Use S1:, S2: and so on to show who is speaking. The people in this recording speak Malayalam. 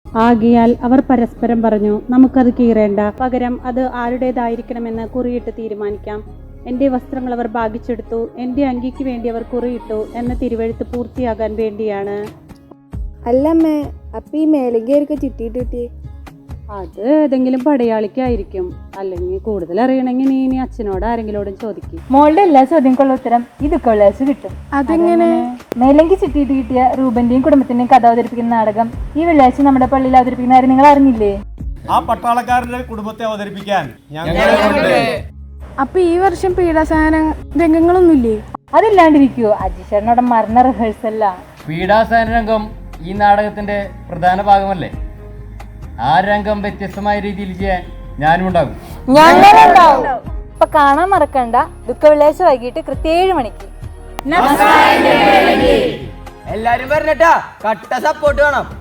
S1: ആകയാൽ അവർ പരസ്പരം പറഞ്ഞു, നമുക്കത് കീറേണ്ട, പകരം അത് ആരുടേതായിരിക്കണമെന്ന് കുറിയിട്ട് തീരുമാനിക്കാം. എൻ്റെ വസ്ത്രങ്ങൾ അവർ ഭാഗിച്ചെടുത്തു, എൻ്റെ അങ്കിക്ക് വേണ്ടി അവർ കുറിയിട്ടു എന്ന തിരുവെഴുത്ത് പൂർത്തിയാകാൻ വേണ്ടിയാണ്.
S2: അല്ലമ്മേ, അപ്പൊ ഈ മേലങ്കയൊക്കെ ചിട്ടിയിട്ടിട്ടേ?
S1: അത് ഏതെങ്കിലും പടയാളിക്കായിരിക്കും. അല്ലെങ്കിൽ കൂടുതൽ അറിയണമെങ്കിൽ നീ ഇനി അച്ഛനോട് ആരെങ്കിലോടും ചോദിക്കും.
S3: മോളുടെ എല്ലാ ചോദ്യങ്ങൾക്കുള്ള ഉത്തരം ഈ ദുഃഖവിലാസ് കിട്ടും.
S2: അതെങ്ങനെ?
S3: മേലങ്കി ചിട്ടിയിട്ട് കിട്ടിയ റൂബന്റെയും കുടുംബത്തിന്റെയും കഥ അവതരിപ്പിക്കുന്ന നാടകം ഈ വെള്ളിയാഴ്ച നമ്മുടെ പള്ളിയിൽ അവതരിപ്പിക്കുന്ന കാര്യം നിങ്ങൾ അറിഞ്ഞില്ലേ?
S4: ആ പട്ടാളക്കാരുടെ കുടുംബത്തെ അവതരിപ്പിക്കാൻ
S2: അപ്പൊ ഈ വർഷം പീഡാസഹന രംഗങ്ങളൊന്നുമില്ലേ?
S3: അതില്ലാണ്ടിരിക്കുവോ? അജിഷേട്ടനോടെ മരണ റിഹേഴ്സല്ല.
S5: പീഡാസഹന രംഗം ഈ നാടകത്തിന്റെ പ്രധാന ഭാഗമല്ലേ? ആ രംഗം വ്യത്യസ്തമായ രീതിയിൽ ചെയ്യാൻ ഞാനും ഉണ്ടാകും.
S3: അപ്പൊ കാണാൻ മറക്കണ്ട, ദുഃഖ വെള്ളിയാഴ്ച വൈകിട്ട് കൃത്യം 7 മണിക്ക്.
S6: എല്ലാരും പറഞ്ഞിട്ടാ, കട്ട സപ്പോർട്ട് വേണം.